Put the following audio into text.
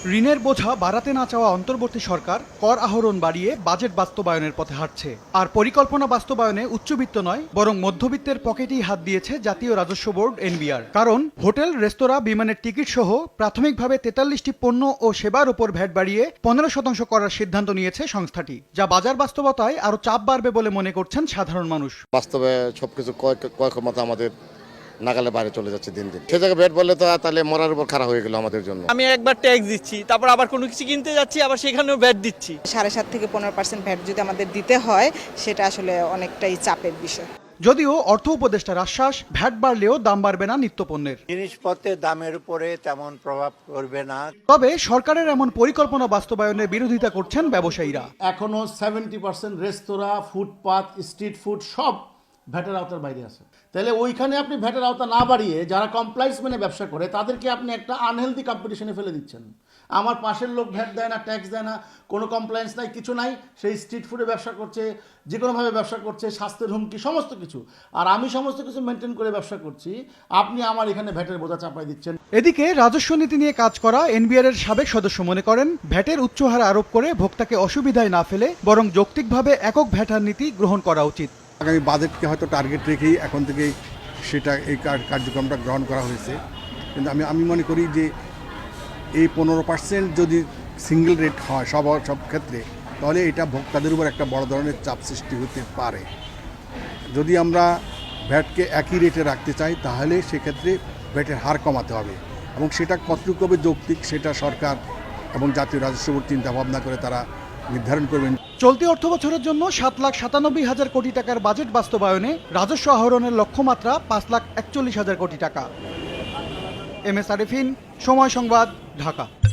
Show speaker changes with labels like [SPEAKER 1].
[SPEAKER 1] ঋণের বোঝা বাড়াতে না চাওয়া অন্তর্বর্তী সরকার কর আহরণ বাড়িয়ে বাজেট বাস্তবায়নের পথে হাঁটছে। আর পরিকল্পনা বাস্তবায়নে উচ্চবিত্ত নয় বরং মধ্যবিত্তের পকেটেই হাত দিয়েছে জাতীয় রাজস্ব বোর্ড এনবিআর। কারণ হোটেল, রেস্তোরাঁ, বিমানের টিকিট সহ প্রাথমিকভাবে 43টি পণ্য ও সেবার উপর ভ্যাট বাড়িয়ে 15% করার সিদ্ধান্ত নিয়েছে সংস্থাটি, যা বাজার বাস্তবতায় আরও চাপ বাড়বে বলে মনে করছেন সাধারণ মানুষ।
[SPEAKER 2] বাস্তবে সবকিছু ক্রয় ক্ষমতা আমাদের নাগালে বাইরে চলে যাচ্ছে দিন দিন। সে জায়গায় ভ্যাট বললে তো তাহলে মরার উপর খারাপ হয়ে গেল আমাদের জন্য।
[SPEAKER 3] আমি একবার ট্যাক্স দিচ্ছি, তারপর আবার কোনো কিছু কিনতে যাচ্ছি, আবার সেখানেও ভ্যাট দিচ্ছি।
[SPEAKER 4] 7.5 থেকে 15% ভ্যাট যদি আমাদের দিতে হয়, সেটা আসলে অনেকটাই চাপের বিষয়।
[SPEAKER 1] যদিও অর্থ উপদেষ্টার আশ্বাস, ভ্যাট বাড়লেও দাম বাড়বে না নিত্যপণ্যের।
[SPEAKER 5] জিনিসপত্রের দামের উপরে তেমন প্রভাব পড়বে না।
[SPEAKER 1] তবে সরকারের এমন পরিকল্পনা বাস্তবায়নের বিরোধিতা করছেন ব্যবসায়ীরা।
[SPEAKER 6] এখনো 70% রেস্তোরাঁ, ফুটপাত, স্ট্রিট ফুড সব ভ্যাটের আওতার বাইরে আছে। তাহলে ওইখানে আপনি ভ্যাটের আওতা না বাড়িয়ে যারা কমপ্লায়েন্স মেনে ব্যবসা করে তাদেরকে আপনি একটা আনহেলদি কম্পিটিশনে ফেলে দিচ্ছেন। আমার পাশের লোক ভ্যাট দেয় না, ট্যাক্স দেয় না, কোনো কমপ্লায়েন্স নাই, কিছু নাই, সেই স্ট্রিট ফুডে ব্যবসা করছে, যে কোনোভাবে ব্যবসা করছে, স্বাস্থ্যের হুমকি সমস্ত কিছু, আর আমি সমস্ত কিছু মেনটেন করে ব্যবসা করছি, আপনি আমার এখানে ভ্যাটের বোঝা চাপাই দিচ্ছেন।
[SPEAKER 1] এদিকে রাজস্ব নীতি নিয়ে কাজ করা এনবিআর এর সাবেক সদস্য মনে করেন, ভ্যাটের উচ্চ হার আরোপ করে ভোক্তাকে অসুবিধায় না ফেলে বরং যৌক্তিকভাবে একক ভ্যাট হার নীতি গ্রহণ করা উচিত।
[SPEAKER 7] আগামী বাজেটকে হয়তো টার্গেট রেখেই এখন থেকেই সেটা এই কার্যক্রমটা গ্রহণ করা হয়েছে, কিন্তু আমি মনে করি যে এই 15% যদি সিঙ্গেল রেট হয় সব ক্ষেত্রে, তাহলে এটা ভোক্তাদের উপর একটা বড় ধরনের চাপ সৃষ্টি হতে পারে। যদি আমরা ভ্যাটকে একই রেটে রাখতে চাই তাহলে সেক্ষেত্রে ভ্যাটের হার কমাতে হবে, এবং সেটা কতটুকু হবে যৌক্তিক সেটা সরকার এবং জাতীয় রাজস্ব বোর্ড চিন্তা ভাবনা করে তারা নির্ধারণ করবেন।
[SPEAKER 1] চলতি অর্থবছরের জন্য 7,97,000 কোটি টাকার বাজেট বাস্তবায়নে রাজস্ব আহরণের লক্ষ্যমাত্রা 5,41,000 কোটি টাকা। এম এস আরিফিন, সময় সংবাদ, ঢাকা।